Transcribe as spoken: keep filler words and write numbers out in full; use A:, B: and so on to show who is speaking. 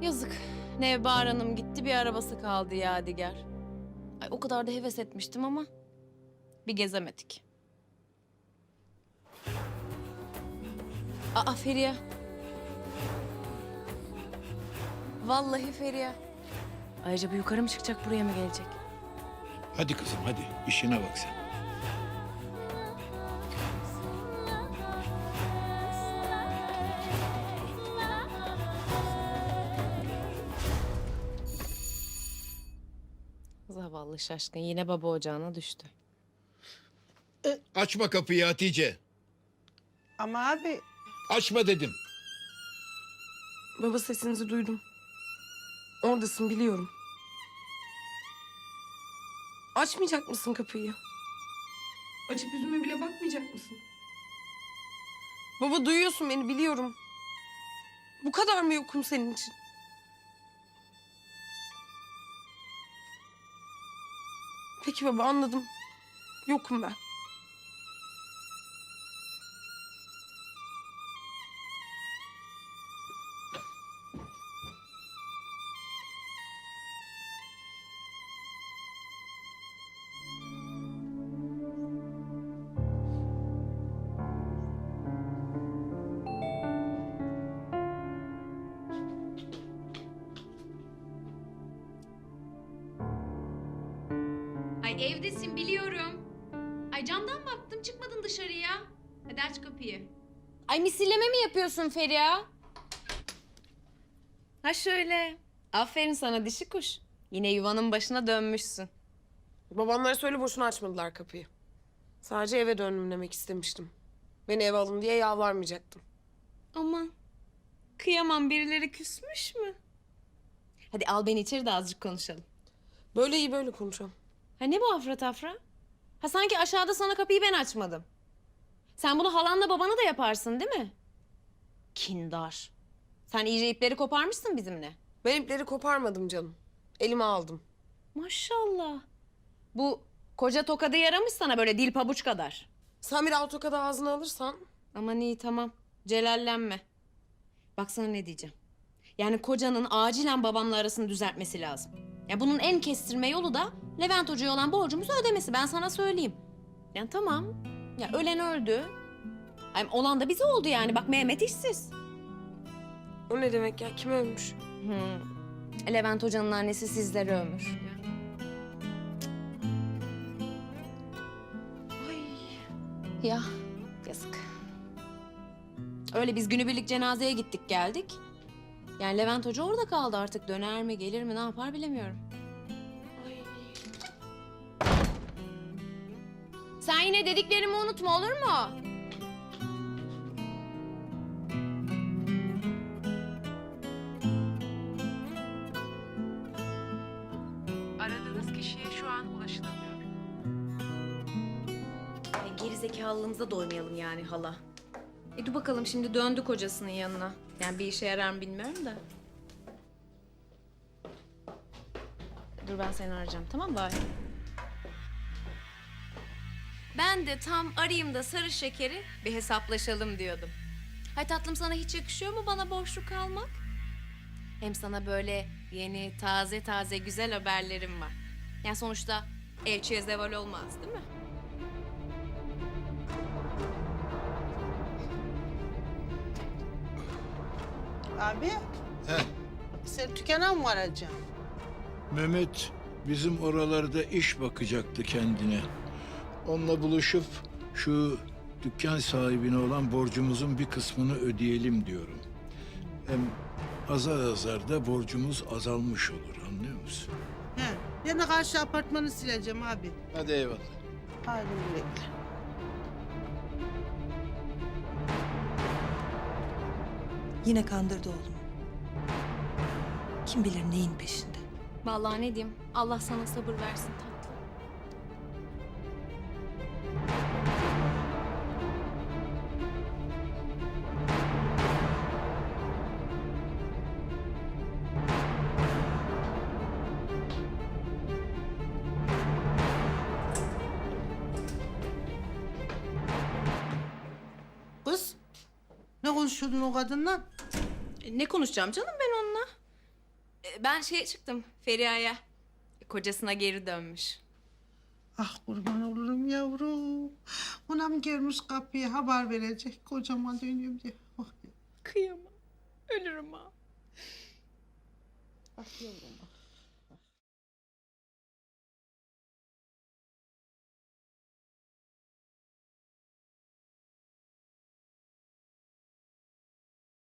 A: Yazık. Nevbahar Hanım gitti, bir arabası kaldı Yadigar. Ay, o kadar da heves etmiştim ama bir gezemedik. Aa, Feriha. Vallahi Feriha. Ayrıca bu yukarı mı çıkacak, buraya mı gelecek?
B: Hadi kızım hadi işine bak sen.
A: Zavallı şaşkın yine baba ocağına düştü.
B: Açma kapıyı Hatice.
C: Ama abi
B: Açma dedim.
C: baba sesinizi duydum. Oradasın biliyorum. Açmayacak mısın kapıyı? Açıp yüzüme bile bakmayacak mısın? Baba duyuyorsun beni biliyorum. Bu kadar mı yokum senin için? Peki baba anladım. Yokum ben.
D: Ay evdesin biliyorum. Ay camdan baktım çıkmadın dışarıya. Hadi aç kapıyı.
A: Ay, misilleme mi yapıyorsun Feriha? Ha şöyle. Aferin sana dişi kuş. Yine yuvanın başına dönmüşsün.
C: Babamlara söyle boşuna açmadılar kapıyı. Sadece eve döndüm demek istemiştim. Beni eve alın diye yalvarmayacaktım.
A: Aman. Kıyamam, birileri küsmüş mü? Hadi al beni içeri de azıcık konuşalım.
C: Böyle iyi böyle konuşalım.
A: Ha ne bu afra tafra? Ha sanki aşağıda sana kapıyı ben açmadım. Sen bunu halanla babana da yaparsın değil mi? Kindar. Sen iyice ipleri koparmışsın bizimle.
C: Ben ipleri koparmadım canım. Elime aldım.
A: Maşallah. Bu koca tokadı yaramış sana böyle dil pabuç kadar.
C: Sen bir autokadı ağzına alırsan...
A: Aman iyi tamam. Celallenme. Bak sana ne diyeceğim. Yani kocanın acilen babamla arasını düzeltmesi lazım. Ya bunun en kestirme yolu da Levent Hoca'ya olan borcumuzu ödemesi. Ben sana söyleyeyim. Yani tamam. Ya ölen öldü. Ay, olan da bize oldu yani. Bak Mehmet işsiz.
C: O ne demek ya? Kim ölmüş?
A: Hmm. Levent Hoca'nın annesi sizleri övmüş.
C: Ay.
A: Ya yazık. Öyle biz günübirlik cenazeye gittik geldik. Yani Levent Hoca orada kaldı, artık döner mi gelir mi ne yapar bilemiyorum.
C: Ay.
A: Sen yine dediklerimi unutma, olur mu?
E: Aradığınız kişiye şu an ulaşılamıyor.
A: Ay, gerizekalılığımıza doymayalım yani hala. E dur bakalım, şimdi döndü kocasının yanına. Yani bir işe yarar mı bilmiyorum da. Dur ben seni arayacağım, tamam mı bari? Ben de tam arayayım da sarı şekeri bir hesaplaşalım diyordum. Hay tatlım, sana hiç yakışıyor mu bana boşluk kalmak? Hem sana böyle yeni, taze taze güzel haberlerim var. Yani sonuçta elçiye zeval olmaz değil mi?
F: Abi,
B: He,
F: sen dükkana mı varacaksın?
B: Mehmet bizim oralarda iş bakacaktı kendine. Onunla buluşup şu dükkan sahibine olan borcumuzun bir kısmını ödeyelim diyorum. Hem azar azar da borcumuz azalmış olur, anlıyor musun?
F: He, ben de karşı apartmanı sileceğim abi.
B: Hadi eyvallah.
F: Hadi bekle.
G: Yine kandırdı oğlumu. Kim bilir neyin peşinde.
A: Vallahi ne diyeyim, Allah sana sabır versin tatlım.
F: Kız, ne konuşuyordun o kadınla?
A: E, ne konuşacağım canım ben onunla? E, Ben şeye çıktım Feriha'ya. Kocasına geri dönmüş.
F: Ah kurban olurum yavrum. Ona mı gelmiş kapıya haber verecek kocama dönüyorum diye. Oh.
A: Kıyamam. Ölürüm ha.
F: Ah yavrum ah.